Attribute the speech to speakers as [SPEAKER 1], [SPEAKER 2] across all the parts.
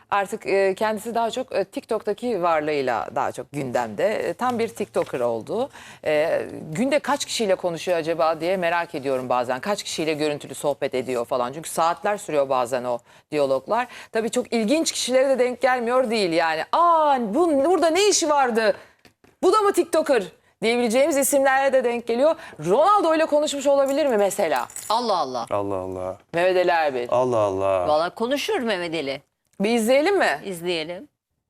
[SPEAKER 1] Artık kendisi daha çok TikTok'taki varlığıyla daha çok gündemde. Tam bir TikToker oldu. Günde kaç kişiyle konuşuyor acaba diye merak ediyorum bazen. Kaç kişiyle görüntülü sohbet ediyor falan. Çünkü saatler sürüyor bazen o diyaloglar. Tabii çok ilginç kişilere de denk gelmiyor değil yani. Burada ne işi vardı? Bu da mı TikToker? Diyebileceğimiz isimlerle de denk geliyor. Ronaldo ile konuşmuş olabilir mi mesela?
[SPEAKER 2] Allah Allah.
[SPEAKER 3] Allah Allah.
[SPEAKER 1] Mehmet Ali Erbil.
[SPEAKER 3] Allah Allah.
[SPEAKER 2] Valla konuşur Mehmet Ali.
[SPEAKER 1] Bir izleyelim mi?
[SPEAKER 2] İzleyelim.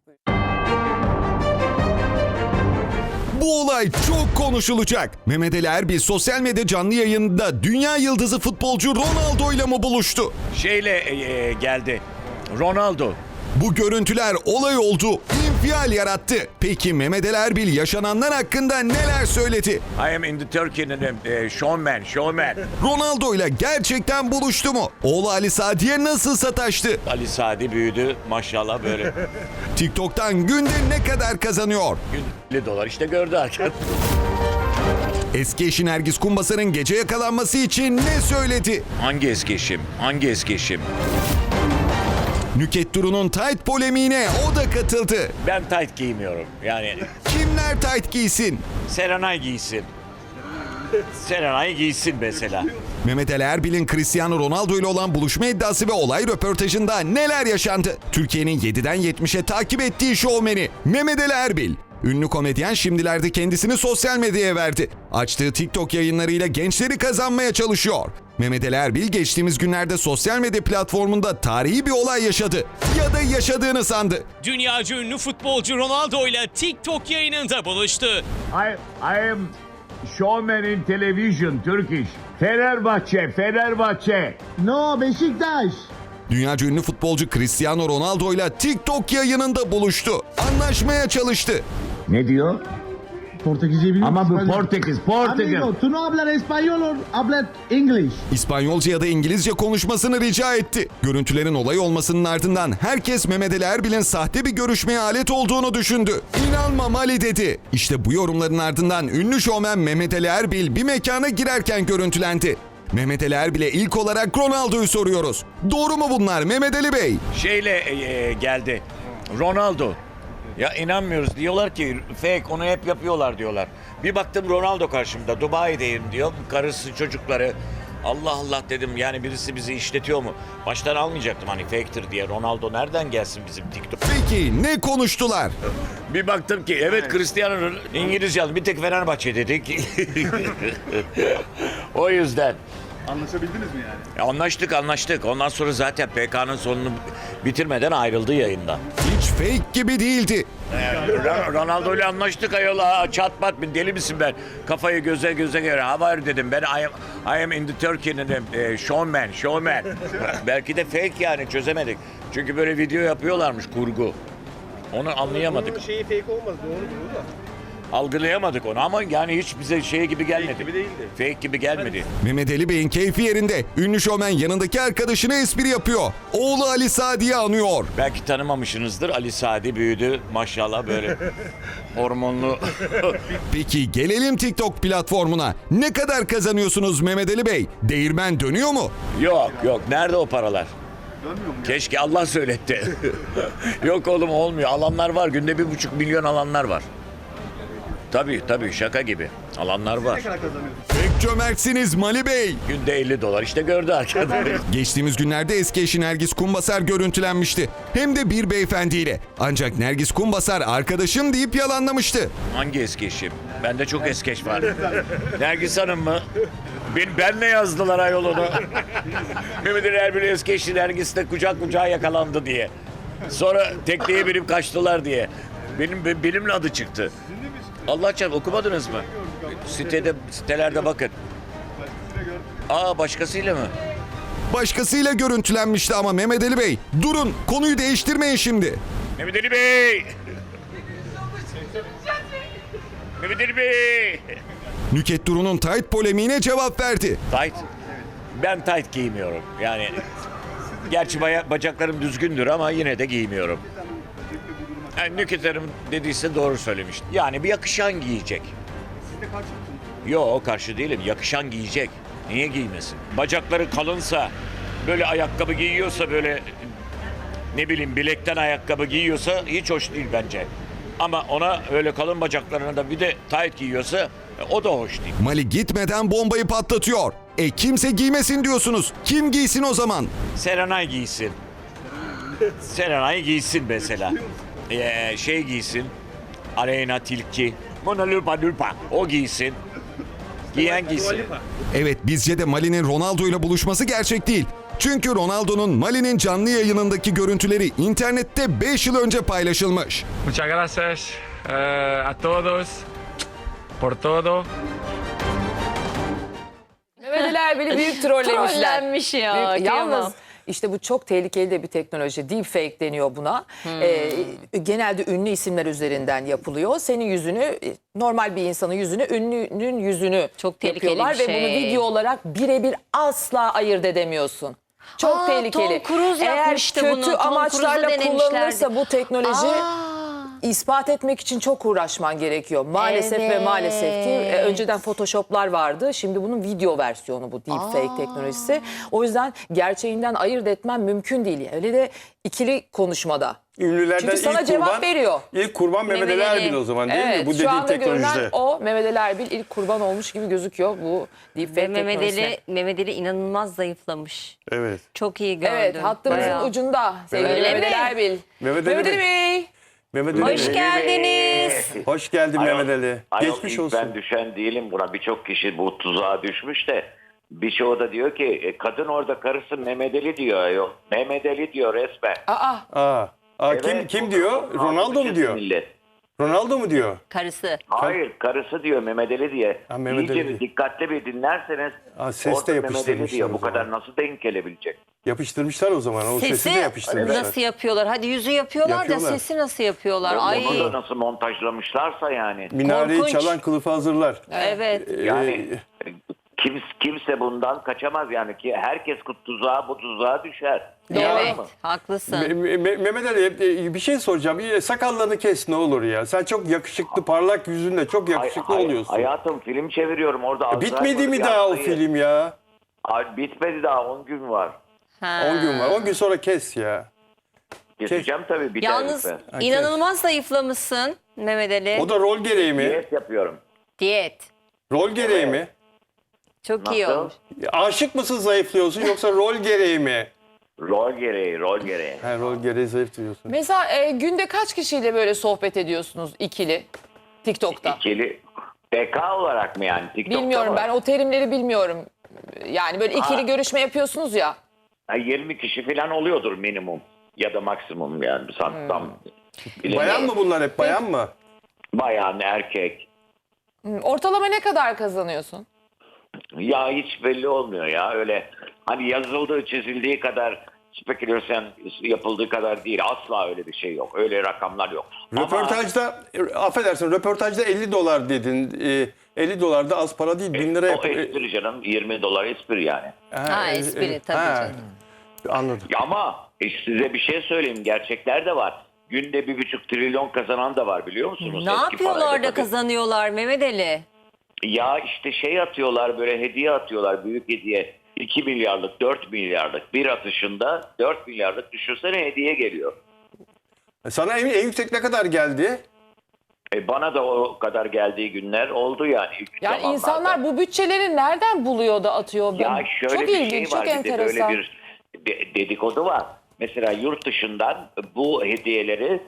[SPEAKER 4] Bu olay çok konuşulacak. Mehmet Ali Erbil sosyal medya canlı yayında dünya yıldızı futbolcu Ronaldo ile mi buluştu?
[SPEAKER 5] Geldi. Ronaldo.
[SPEAKER 4] Bu görüntüler olay oldu, infial yarattı. Peki Mehmet Ali Erbil yaşananlar hakkında neler söyledi?
[SPEAKER 5] I am in the Turkey'nin showman.
[SPEAKER 4] Ronaldo ile gerçekten buluştu mu? Oğlu Ali Sadi'ye nasıl sataştı?
[SPEAKER 5] Ali Sadi büyüdü maşallah böyle.
[SPEAKER 4] TikTok'tan günde ne kadar kazanıyor?
[SPEAKER 5] Gün $50 işte gördü arkadaş.
[SPEAKER 4] Eski eşi Nergis Kumbasar'ın gece yakalanması için ne söyledi?
[SPEAKER 5] Hangi eski eşim? Hangi eski eşim?
[SPEAKER 4] Nükhet Duru'nun tight polemiğine o da katıldı.
[SPEAKER 5] Ben tight giymiyorum. Yani
[SPEAKER 4] Kimler tight giysin?
[SPEAKER 5] Serenay giysin. Serenay giysin mesela.
[SPEAKER 4] Mehmet Ali Erbil'in Cristiano Ronaldo ile olan buluşma iddiası ve olay röportajında neler yaşandı? Türkiye'nin 7'den 70'e takip ettiği şovmeni Mehmet Ali Erbil. Ünlü komedyen şimdilerde kendisini sosyal medyaya verdi. Açtığı TikTok yayınlarıyla gençleri kazanmaya çalışıyor. Mehmet Ali Erbil geçtiğimiz günlerde sosyal medya platformunda tarihi bir olay yaşadı. Ya da yaşadığını sandı.
[SPEAKER 6] Dünyaca ünlü futbolcu Ronaldo ile TikTok yayınında buluştu.
[SPEAKER 7] I am showman in television, Turkish. Fenerbahçe.
[SPEAKER 8] No, Beşiktaş.
[SPEAKER 4] Dünyaca ünlü futbolcu Cristiano Ronaldo ile TikTok yayınında buluştu. Anlaşmaya çalıştı.
[SPEAKER 7] Ne diyor?
[SPEAKER 8] Portekizce biliyor
[SPEAKER 7] Ama
[SPEAKER 8] musun?
[SPEAKER 7] bu Portekiz.
[SPEAKER 8] Amigo, tú no hablas español o hablas English?
[SPEAKER 4] İspanyolca ya da İngilizce konuşmasını rica etti. Görüntülerin olay olmasının ardından herkes Mehmet Ali Erbil'in sahte bir görüşmeye alet olduğunu düşündü. İnanmam Ali dedi. İşte bu yorumların ardından ünlü şovmen Mehmet Ali Erbil bir mekana girerken görüntülendi. Mehmet Ali Erbil'e ilk olarak Ronaldo'yu soruyoruz. Doğru mu bunlar Mehmet Ali Bey?
[SPEAKER 5] Geldi. Ronaldo. Ya inanmıyoruz. Diyorlar ki fake, onu hep yapıyorlar diyorlar. Bir baktım Ronaldo karşımda. Dubai'deyim diyor. Karısı, çocukları. Allah Allah dedim, yani birisi bizi işletiyor mu? Baştan almayacaktım hani fake'tir diye. Ronaldo nereden gelsin bizim TikTok?
[SPEAKER 4] Peki ne konuştular?
[SPEAKER 5] Bir baktım ki evet, Cristiano İngilizce yazdı. Bir tek Fenerbahçe dedik. O yüzden.
[SPEAKER 3] Anlaşabildiniz mi yani?
[SPEAKER 5] Anlaştık. Ondan sonra zaten PK'nın sonunu bitirmeden ayrıldı yayından.
[SPEAKER 4] Hiç fake gibi değildi.
[SPEAKER 5] Ronaldo ile anlaştık ayol. Çat pat, deli misin ben? Kafayı göze göre. Haber dedim. Ben I am in the Turkey'nin showman. Belki de fake, yani çözemedik. Çünkü böyle video yapıyorlarmış, kurgu. Onu anlayamadık.
[SPEAKER 3] Bunun şeyi fake olmaz, doğrudur da.
[SPEAKER 5] Algılayamadık onu ama yani hiç bize şey gibi gelmedi.
[SPEAKER 3] Fake gibi değildi.
[SPEAKER 5] Fake gibi gelmedi.
[SPEAKER 4] Mehmet Ali Bey'in keyfi yerinde. Ünlü şovmen yanındaki arkadaşına espri yapıyor. Oğlu Ali Sadi'yi anıyor.
[SPEAKER 5] Belki tanımamışsınızdır. Ali Sadi büyüdü maşallah böyle hormonlu.
[SPEAKER 4] Peki gelelim TikTok platformuna. Ne kadar kazanıyorsunuz Mehmet Ali Bey? Değirmen dönüyor mu?
[SPEAKER 5] Yok. Nerede o paralar?
[SPEAKER 3] Dönmüyor mu?
[SPEAKER 5] Keşke Allah söyletti. Yok oğlum, olmuyor. Alanlar var. Günde 1,5 milyon alanlar var. Tabii şaka gibi. Alanlar var.
[SPEAKER 3] Ne kadar kazanıyorsun?
[SPEAKER 4] Pek cömertsiniz Mali Bey.
[SPEAKER 5] Günde $50 işte gördü arkadaş.
[SPEAKER 4] Geçtiğimiz günlerde eski eşi Nergis Kumbasar görüntülenmişti. Hem de bir beyefendiyle. Ancak Nergis Kumbasar arkadaşım deyip yalanlamıştı.
[SPEAKER 5] Hangi eski eşim? Bende çok eski eş var. Nergis Hanım mı? Benle yazdılar ayol onu. Mehmet Ali Erbil'in eski eşi Nergis de kucağa yakalandı diye. Sonra tekneye binip kaçtılar diye. Benimle adı çıktı. Allah çarpsın, okumadınız mı? Sitelerde bakın. Başkasıyla mı?
[SPEAKER 4] Başkasıyla görüntülenmişti ama Mehmet Ali Bey. Durun, konuyu değiştirmeyin şimdi.
[SPEAKER 5] Mehmet Ali Bey! Mehmet Ali Bey!
[SPEAKER 4] Nükhet Duru'nun tight polemiğine cevap verdi.
[SPEAKER 5] Tight? Ben tight giymiyorum. Yani gerçi bacaklarım düzgündür ama yine de giymiyorum. Yani Nükhet Hanım dediyse doğru söylemiş. Yani bir yakışan giyecek.
[SPEAKER 3] Siz de karşı mısınız?
[SPEAKER 5] Yok, karşı değilim. Yakışan giyecek. Niye giymesin? Bacakları kalınsa, böyle ayakkabı giyiyorsa böyle ne bileyim bilekten ayakkabı giyiyorsa hiç hoş değil bence. Ama ona öyle kalın bacaklarına da bir de tight giyiyorsa o da hoş değil.
[SPEAKER 4] Mali gitmeden bombayı patlatıyor. Kimse giymesin diyorsunuz. Kim giysin o zaman?
[SPEAKER 5] Serenay giysin. Serenay giysin mesela. Şey giysin. Aleyna Tilki. Mona Lupa. O giysin. Giyen giysin.
[SPEAKER 4] Evet, bizce de Mali'nin Ronaldo ile buluşması gerçek değil. Çünkü Ronaldo'nun Mali'nin canlı yayınındaki görüntüleri internette 5 yıl önce paylaşılmış.
[SPEAKER 9] Muchas gracias a todos por todo.
[SPEAKER 1] Mehmet Ali Erbil'i büyük trollemişler.
[SPEAKER 2] Trollenmiş ya,
[SPEAKER 1] Yalnız
[SPEAKER 2] kıyamam.
[SPEAKER 1] işte bu çok tehlikeli de bir teknoloji. Deepfake deniyor buna. Genelde ünlü isimler üzerinden yapılıyor. Senin yüzünü, normal bir insanın yüzünü, ünlünün yüzünü
[SPEAKER 2] Çok tehlikeli
[SPEAKER 1] yapıyorlar.
[SPEAKER 2] bir
[SPEAKER 1] Ve
[SPEAKER 2] şey.
[SPEAKER 1] bunu video olarak birebir asla ayırt edemiyorsun. Çok
[SPEAKER 2] Aa,
[SPEAKER 1] tehlikeli.
[SPEAKER 2] Tom Cruise
[SPEAKER 1] Eğer
[SPEAKER 2] yapmıştı
[SPEAKER 1] kötü
[SPEAKER 2] bunu. Tom
[SPEAKER 1] amaçlarla
[SPEAKER 2] Cruise'da
[SPEAKER 1] kullanılırsa
[SPEAKER 2] denemişlerdi.
[SPEAKER 1] bu teknoloji... ispat etmek için çok uğraşman gerekiyor. Maalesef ve maalesef ki önceden Photoshop'lar vardı. Şimdi bunun video versiyonu bu deepfake teknolojisi. O yüzden gerçeğinden ayırt etmen mümkün değil. Öyle de ikili konuşmada.
[SPEAKER 10] Ünlülerden
[SPEAKER 1] Çünkü sana
[SPEAKER 10] ilk
[SPEAKER 1] cevap
[SPEAKER 10] kurban,
[SPEAKER 1] veriyor.
[SPEAKER 10] İlk kurban Mehmet Ali
[SPEAKER 2] Mehmet Ali.
[SPEAKER 10] Erbil o zaman değil
[SPEAKER 1] Evet,
[SPEAKER 10] mi? Bu
[SPEAKER 1] şu
[SPEAKER 10] dediğin
[SPEAKER 1] anda
[SPEAKER 10] teknolojide.
[SPEAKER 1] görünen o Mehmet Ali Erbil ilk kurban olmuş gibi gözüküyor bu deepfake
[SPEAKER 2] Ve
[SPEAKER 1] teknolojisine.
[SPEAKER 2] Mehmet Ali inanılmaz zayıflamış.
[SPEAKER 10] Evet.
[SPEAKER 2] Çok iyi gördüm.
[SPEAKER 1] Evet, hattımızın
[SPEAKER 2] Bayağı.
[SPEAKER 1] ucunda sevgili
[SPEAKER 2] Öyle
[SPEAKER 1] Mehmet Ali
[SPEAKER 2] mi?
[SPEAKER 1] Erbil.
[SPEAKER 10] Mehmet Ali
[SPEAKER 1] Mehmet Ali Bey.
[SPEAKER 10] Mehmet Ali
[SPEAKER 2] Hoş
[SPEAKER 10] Bey.
[SPEAKER 2] geldiniz.
[SPEAKER 10] Hoş geldin Mehmet Ali.
[SPEAKER 11] Ayol,
[SPEAKER 10] Geçmiş
[SPEAKER 11] ilk
[SPEAKER 10] olsun.
[SPEAKER 11] ben düşen değilim buna. Birçok kişi bu tuzağa düşmüş de birçoğu da diyor ki kadın orada karısı Mehmet Ali diyor. Ayol. Mehmet Ali diyor resmen.
[SPEAKER 10] Aa,
[SPEAKER 11] Evet,
[SPEAKER 10] kim diyor? Ronaldo mu diyor?
[SPEAKER 11] Millet.
[SPEAKER 10] Ronaldo mu diyor?
[SPEAKER 2] Karısı.
[SPEAKER 11] Hayır karısı diyor Mehmet Ali diye.
[SPEAKER 10] Ha, Mehmet
[SPEAKER 11] İyice
[SPEAKER 10] Ali.
[SPEAKER 11] bir dikkatli bir dinlerseniz
[SPEAKER 10] Ses de
[SPEAKER 11] orada Mehmet Ali
[SPEAKER 10] yapıştırmışlar
[SPEAKER 11] diyor.
[SPEAKER 10] o
[SPEAKER 11] Bu
[SPEAKER 10] zaman.
[SPEAKER 11] kadar nasıl denk gelebilecek?
[SPEAKER 10] Yapıştırmışlar o zaman. O sesi de
[SPEAKER 2] Sesi
[SPEAKER 10] yapıştırmışlar.
[SPEAKER 2] nasıl yapıyorlar? Hadi yüzü yapıyorlar,
[SPEAKER 10] Yapıyorlar.
[SPEAKER 2] da sesi nasıl yapıyorlar? Ay.
[SPEAKER 11] Onu da nasıl montajlamışlarsa yani.
[SPEAKER 10] Minareyi
[SPEAKER 2] Korkunç.
[SPEAKER 10] çalan kılıfı hazırlar.
[SPEAKER 2] Evet.
[SPEAKER 11] Yani kimse bundan kaçamaz yani ki herkes tuzağa bu tuzağa düşer.
[SPEAKER 2] Evet.
[SPEAKER 11] Yalan mı?
[SPEAKER 2] Haklısın.
[SPEAKER 10] Mehmet Ali bir şey soracağım. Sakallarını kes ne olur ya. Sen çok yakışıklı, parlak yüzünle çok yakışıklı oluyorsun.
[SPEAKER 11] Hayatım film çeviriyorum orada.
[SPEAKER 10] Bitmedi mi daha o film ya?
[SPEAKER 11] Ay, bitmedi daha 10 gün var.
[SPEAKER 10] 10 gün var. 10 gün sonra kes ya.
[SPEAKER 11] Keseceğim tabii biter
[SPEAKER 2] Yalnız
[SPEAKER 11] bitmez.
[SPEAKER 2] inanılmaz zayıflamışsın Mehmet Ali.
[SPEAKER 10] O da rol gereği mi?
[SPEAKER 11] Diyet yapıyorum.
[SPEAKER 2] Diyet.
[SPEAKER 10] Rol gereği mi?
[SPEAKER 2] Çok iyi
[SPEAKER 11] Nasıl?
[SPEAKER 2] olmuş.
[SPEAKER 10] Aşık mısın zayıflıyorsun yoksa rol gereği mi?
[SPEAKER 11] Rol gereği.
[SPEAKER 10] Ha, rol gereği zayıflıyorsun.
[SPEAKER 1] Mesela günde kaç kişiyle böyle sohbet ediyorsunuz ikili TikTok'ta?
[SPEAKER 11] İkili PK olarak mı yani? TikTok'ta
[SPEAKER 1] Bilmiyorum,
[SPEAKER 11] mı?
[SPEAKER 1] ben o terimleri bilmiyorum. Yani böyle ikili görüşme yapıyorsunuz ya.
[SPEAKER 11] 20 kişi falan oluyordur minimum. Ya da maksimum yani. Tam
[SPEAKER 10] Bayan mı bunlar hep? Bayan mı?
[SPEAKER 11] Bayan, erkek.
[SPEAKER 1] Ortalama ne kadar kazanıyorsun?
[SPEAKER 11] Ya hiç belli olmuyor ya. Öyle hani yazıldığı çizildiği kadar spekülasyon yapıldığı kadar değil. Asla öyle bir şey yok. Öyle rakamlar yok.
[SPEAKER 10] Röportajda, affedersin, röportajda 50 dolar dedin. 50 dolar da az para değil. 1000 lira
[SPEAKER 11] O espri canım. 20 dolar espri yani.
[SPEAKER 2] Ha, espri tabii canım.
[SPEAKER 10] Anladım.
[SPEAKER 11] Ama size bir şey söyleyeyim. Gerçekler de var. Günde 1,5 trilyon kazanan da var biliyor musunuz?
[SPEAKER 2] Ne
[SPEAKER 11] Eski
[SPEAKER 2] yapıyorlar
[SPEAKER 11] parayla
[SPEAKER 2] da
[SPEAKER 11] tabii.
[SPEAKER 2] kazanıyorlar Mehmet Ali?
[SPEAKER 11] Ya işte şey atıyorlar böyle hediye atıyorlar. Büyük hediye. 2 milyarlık, 4 milyarlık bir atışında 4 milyarlık düşünsene hediye geliyor.
[SPEAKER 10] Sana en yüksek ne kadar geldi?
[SPEAKER 11] Bana da o kadar geldiği günler oldu yani. İlk
[SPEAKER 1] Yani
[SPEAKER 11] zamanlarda.
[SPEAKER 1] insanlar bu bütçeleri nereden buluyor da atıyor?
[SPEAKER 11] Ya şöyle
[SPEAKER 1] Çok
[SPEAKER 11] bir
[SPEAKER 1] ilginç,
[SPEAKER 11] şey
[SPEAKER 1] çok
[SPEAKER 11] var. Bir de
[SPEAKER 1] enteresan.
[SPEAKER 11] böyle bir dedikodu var. Mesela yurt dışından bu hediyeleri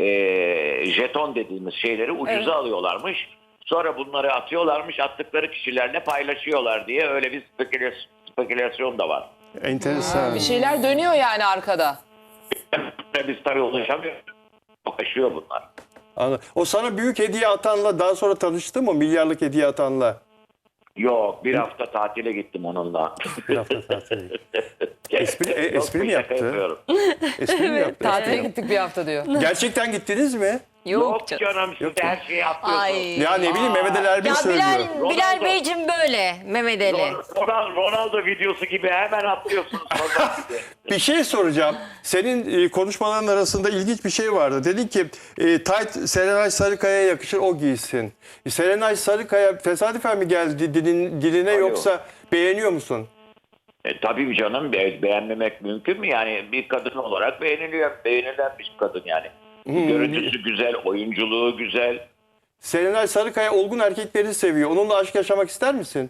[SPEAKER 11] jeton dediğimiz şeyleri ucuza alıyorlarmış. Sonra bunları atıyorlarmış. Attıkları kişilerle paylaşıyorlar diye öyle bir spekülasyon da var.
[SPEAKER 10] Enteresan.
[SPEAKER 1] Bir şeyler dönüyor yani arkada.
[SPEAKER 11] Biz tabii ulaşamıyoruz. Ulaşıyor bunlar.
[SPEAKER 10] Anladım. O sana büyük hediye atanla daha sonra tanıştın mı? Milyarlık hediye atanla.
[SPEAKER 11] Yok, bir hafta tatile gittim onunla.
[SPEAKER 10] Bir hafta tatile. Espri mi
[SPEAKER 11] Şaka
[SPEAKER 10] yaptı?
[SPEAKER 11] yapıyorum.
[SPEAKER 10] Espri mi yaptı?
[SPEAKER 1] Tatile gittik bir hafta diyor.
[SPEAKER 10] Gerçekten gittiniz mi?
[SPEAKER 11] Yok canım siz de her şeyi atlıyorsunuz.
[SPEAKER 2] Ay.
[SPEAKER 10] Ya ne bileyim Mehmet Ali Erbil
[SPEAKER 2] Ya
[SPEAKER 10] söylüyor.
[SPEAKER 2] Bilal Beyciğim böyle Mehmet Ali.
[SPEAKER 11] Ronaldo videosu gibi hemen atlıyorsunuz.
[SPEAKER 10] Bir şey soracağım. Senin konuşmaların arasında ilginç bir şey vardı. Dedin ki tayt Serenay Sarıkaya'ya yakışır o giysin. Serenay Sarıkaya tesadüfen mi geldi diline
[SPEAKER 11] Alo.
[SPEAKER 10] yoksa beğeniyor musun?
[SPEAKER 11] Tabii canım, beğenmemek mümkün mü? Yani bir kadın olarak beğenilen bir kadın yani. Görüntüsü güzel, oyunculuğu güzel.
[SPEAKER 10] Serenay Sarıkaya olgun erkekleri seviyor. Onunla aşk yaşamak ister misin?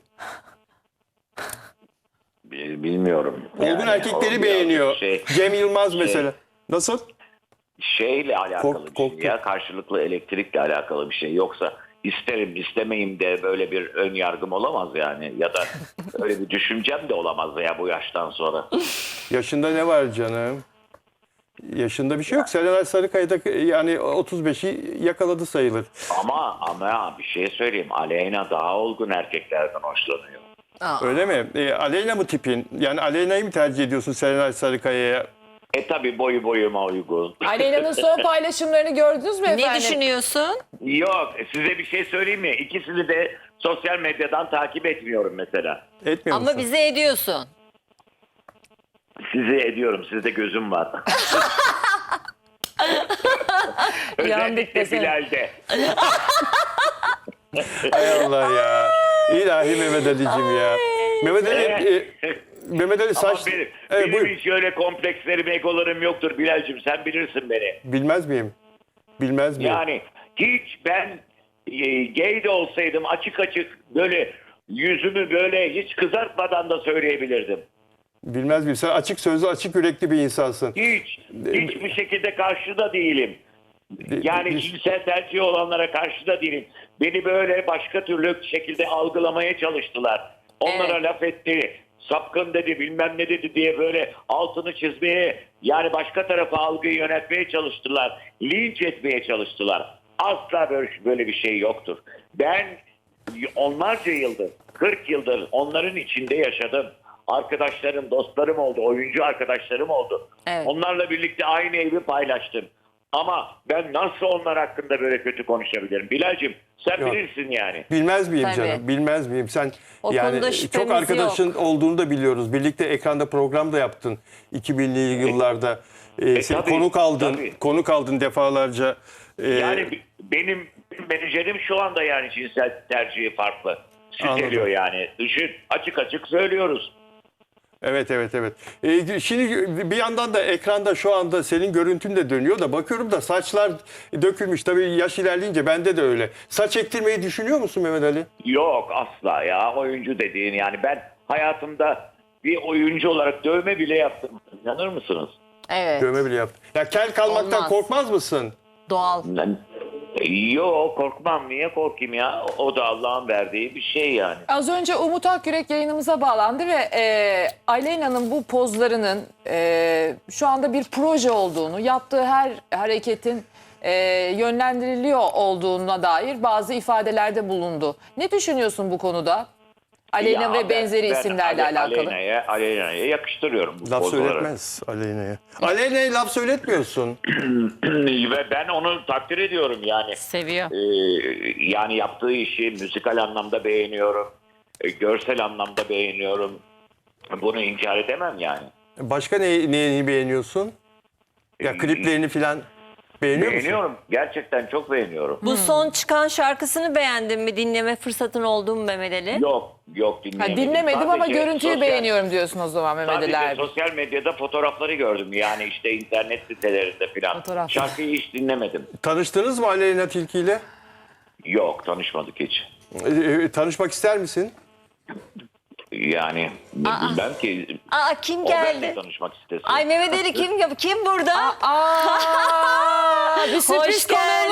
[SPEAKER 11] Bilmiyorum.
[SPEAKER 10] Olgun
[SPEAKER 11] Yani
[SPEAKER 10] erkekleri
[SPEAKER 11] o birazcık
[SPEAKER 10] beğeniyor. Cem Yılmaz mesela. Nasıl?
[SPEAKER 11] Şeyle alakalı bir
[SPEAKER 10] Korktum.
[SPEAKER 11] şey ya, karşılıklı elektrikle alakalı bir şey. Yoksa isterim istemeyim de böyle bir ön yargım olamaz yani. Ya da öyle bir düşüncem de olamaz ya bu yaştan sonra.
[SPEAKER 10] Yaşında ne var canım? Yaşında bir şey yok. Serenay Sarıkaya da yani 35'i yakaladı sayılır.
[SPEAKER 11] Ama bir şey söyleyeyim. Aleyna daha olgun erkeklerden hoşlanıyor.
[SPEAKER 10] Öyle mi? Aleyna mı tipin? Yani Aleyna'yı mı tercih ediyorsun Serenay Sarıkaya'ya?
[SPEAKER 11] Tabii boyuma uygun.
[SPEAKER 1] Aleyna'nın son paylaşımlarını gördünüz mü efendim?
[SPEAKER 2] Ne düşünüyorsun?
[SPEAKER 11] Yok, size bir şey söyleyeyim mi? İkisini de sosyal medyadan takip etmiyorum mesela.
[SPEAKER 10] Etmiyor musun?
[SPEAKER 2] Ama bize ediyorsun.
[SPEAKER 11] Sizi ediyorum. Sizde gözüm var. Özellikle
[SPEAKER 1] desene.
[SPEAKER 11] Bilal'de.
[SPEAKER 10] Hay Allah ya. İlahi Mehmet Ali'cim ya. Mehmet Ali, Mehmet Ali
[SPEAKER 11] Ama
[SPEAKER 10] saç...
[SPEAKER 11] benim
[SPEAKER 10] buyur.
[SPEAKER 11] hiç öyle komplekslerim, egolarım yoktur Bilal'cim. Sen bilirsin beni.
[SPEAKER 10] Bilmez miyim? Bilmez miyim?
[SPEAKER 11] Yani hiç ben gay de olsaydım açık böyle yüzümü böyle hiç kızartmadan da söyleyebilirdim.
[SPEAKER 10] Bilmez miyim? Sen açık sözlü, açık yürekli bir insansın.
[SPEAKER 11] Hiçbir şekilde karşı da değilim. Yani cinsel tercihi olanlara karşı da değilim. Beni böyle başka türlü şekilde algılamaya çalıştılar. Onlara laf etti, sapkın dedi, bilmem ne dedi diye böyle altını çizmeye, yani başka tarafa algıyı yönetmeye çalıştılar. Linç etmeye çalıştılar. Asla böyle bir şey yoktur. Ben onlarca yıldır, 40 yıldır onların içinde yaşadım. Arkadaşlarım, dostlarım oldu, oyuncu arkadaşlarım oldu.
[SPEAKER 2] Evet.
[SPEAKER 11] Onlarla birlikte aynı evi paylaştım. Ama ben nasıl onlar hakkında böyle kötü konuşabilirim? Bilal'cim sen
[SPEAKER 10] Yok.
[SPEAKER 11] bilirsin yani.
[SPEAKER 10] Bilmez miyim
[SPEAKER 2] Tabii.
[SPEAKER 10] canım? Bilmez miyim? Sen
[SPEAKER 2] O konuda
[SPEAKER 10] yani
[SPEAKER 2] şüphemiz
[SPEAKER 10] çok arkadaşın
[SPEAKER 2] yok.
[SPEAKER 10] olduğunu da biliyoruz. Birlikte ekranda program da yaptın 2000'li yıllarda. Sen
[SPEAKER 11] tabii,
[SPEAKER 10] konuk aldın defalarca.
[SPEAKER 11] Yani benim menajerim şu anda yani cinsel tercihi farklı. Siteliyor
[SPEAKER 10] Anladım.
[SPEAKER 11] yani. Düşün, açık açık söylüyoruz.
[SPEAKER 10] Evet. Şimdi bir yandan da ekranda şu anda senin görüntün de dönüyor da bakıyorum da saçlar dökülmüş. Tabii yaş ilerleyince bende de öyle. Saç ektirmeyi düşünüyor musun Mehmet Ali?
[SPEAKER 11] Yok asla ya, oyuncu dediğin yani ben hayatımda bir oyuncu olarak dövme bile yaptım. İnanır mısınız?
[SPEAKER 2] Evet.
[SPEAKER 10] Dövme bile yaptın. Ya kel kalmaktan
[SPEAKER 2] Olmaz.
[SPEAKER 10] korkmaz mısın?
[SPEAKER 2] Doğal.
[SPEAKER 11] Yok, korkmam, niye korkayım ya? O da Allah'ın verdiği bir şey yani.
[SPEAKER 1] Az önce Umut Akyürek yayınımıza bağlandı ve Aleyna'nın bu pozlarının şu anda bir proje olduğunu, yaptığı her hareketin yönlendiriliyor olduğuna dair bazı ifadelerde bulundu. Ne düşünüyorsun bu konuda? Aleyna
[SPEAKER 11] Ya
[SPEAKER 1] ve benzeri
[SPEAKER 11] ben
[SPEAKER 1] isimlerle alakalı.
[SPEAKER 11] Aleyna'ya yakıştırıyorum bu
[SPEAKER 10] Laf
[SPEAKER 11] pozları.
[SPEAKER 10] söyletmez Aleyna'ya. Aleyna'ya laf söyletmiyorsun.
[SPEAKER 11] Ve ben onu takdir ediyorum yani.
[SPEAKER 2] Seviyor.
[SPEAKER 11] Yani yaptığı işi müzikal anlamda beğeniyorum. Görsel anlamda beğeniyorum. Bunu inkar edemem yani.
[SPEAKER 10] Başka neyini beğeniyorsun? Ya kliplerini falan beğeniyor musun?
[SPEAKER 11] Beğeniyorum. Gerçekten çok beğeniyorum.
[SPEAKER 2] Bu son çıkan şarkısını beğendin mi? Dinleme fırsatın oldu mu Mehmet Ali?
[SPEAKER 11] Yok dinlemedim.
[SPEAKER 1] Dinlemedim ama
[SPEAKER 11] Sadece
[SPEAKER 1] görüntüyü
[SPEAKER 11] sosyal-
[SPEAKER 1] beğeniyorum diyorsun o zaman Mehmet Ali
[SPEAKER 11] Sadece
[SPEAKER 1] Erbil.
[SPEAKER 11] sosyal medyada fotoğrafları gördüm. Yani işte internet sitelerinde falan.
[SPEAKER 1] Fotoğraf.
[SPEAKER 11] Şarkıyı hiç dinlemedim.
[SPEAKER 10] Tanıştınız mı Aleyna Tilki ile?
[SPEAKER 11] Yok, tanışmadık hiç.
[SPEAKER 10] Tanışmak ister misin?
[SPEAKER 11] Yani bilmem ki.
[SPEAKER 2] Aa, kim
[SPEAKER 11] O benimle
[SPEAKER 2] geldi?
[SPEAKER 11] tanışmak istesin.
[SPEAKER 2] Ay Mehmet Ali kim burada?
[SPEAKER 1] Bir sürpriz
[SPEAKER 2] Hoş geldin.